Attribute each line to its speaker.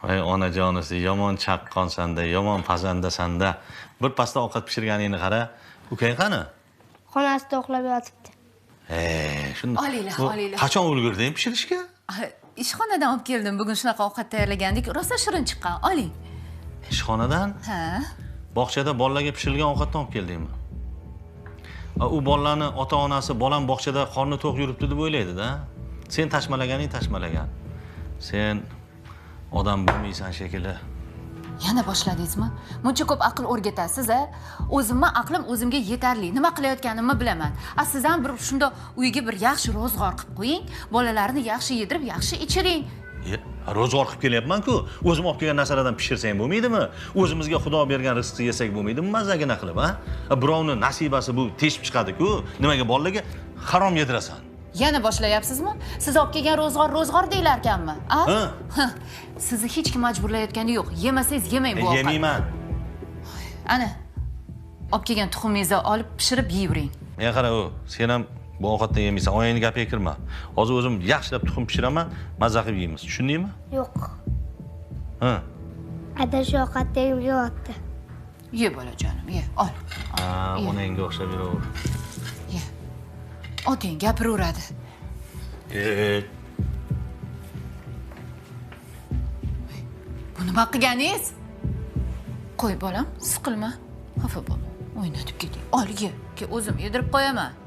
Speaker 1: Voy onajonisi, yomon chaqqonsanda, yomon pazandasan-da. Bir pasda ovqat pishirganingni qara. Ukang qani?
Speaker 2: Xonasida uxlab yotibdi.
Speaker 1: Shunda.
Speaker 3: Olinglar, olinglar.
Speaker 1: Qachon ulgurding pishirishga?
Speaker 3: Ishxonadan olib keldim. Bugun shunaqa ovqat tayyorlagandik. Rosa shirin chiqqan. Oling.
Speaker 1: Ishxonadan?
Speaker 3: Ha.
Speaker 1: Bog'chada bolalarga pishirilgan ovqatdan olib keldingmi? U bolalarni ota-onasi bolam bog'chada qorni to'q yuribdi deb o'ylaydi-da. Sen tashmalaganing tashmalagan. Sen odam bo'lmaysan shekilli.
Speaker 3: Yana boshladingizmi? Muncha ko'p aql o'rgatasiz-a? O'zimni aqlim o'zimga yetarli. Nima qilayotganimni bilaman. Siz ham bir shunda uyga bir yaxshi ro'zg'or qilib qo'ying. Bolalarni yaxshi yedirib, yaxshi ichiring.
Speaker 1: Ro'zg'or qilib kelyapman-ku. O'zim olib kelgan narsalardan pishirsang bo'lmaydimi? O'zimizga Xudo bergan rizqni yesak bo'lmaydimi? Mazagina qilib, ha? Birovning nasibasi bu teshib chiqadi-ku. Nimaga bolalarga harom yedirasan?
Speaker 3: Yana boshlayapsizmi? Siz olib kelgan ro'zg'or deylar ekanmi? Sizni hech kim majburlayotgani yo'q. Yemasangiz yemang bu ovqatni.
Speaker 1: Yemayman.
Speaker 3: Ana. Olib kelgan tuxumingizni olib pishirib yeyvering.
Speaker 1: Men qara u, sen ham bu ovqatdan yemaysan. Oyingni gapiga kirma. Hozir o'zim yaxshilab tuxum pishiraman, mazza qilib yeymiz. Tushundingmi?
Speaker 2: Yo'q.
Speaker 1: Ha.
Speaker 2: Ada shu ovqatda yeyapti.
Speaker 3: Ye bolajonim, ye. Ol.
Speaker 1: Onangga o'xshab yuraver.
Speaker 3: Ye. Oting gapiraveradi. Bu nima qilganingiz? Qo'y bolam, siqilma. Xafa bo'lma. O'ynatib keting. Ol ye. O'zim yedirib qo'yaman.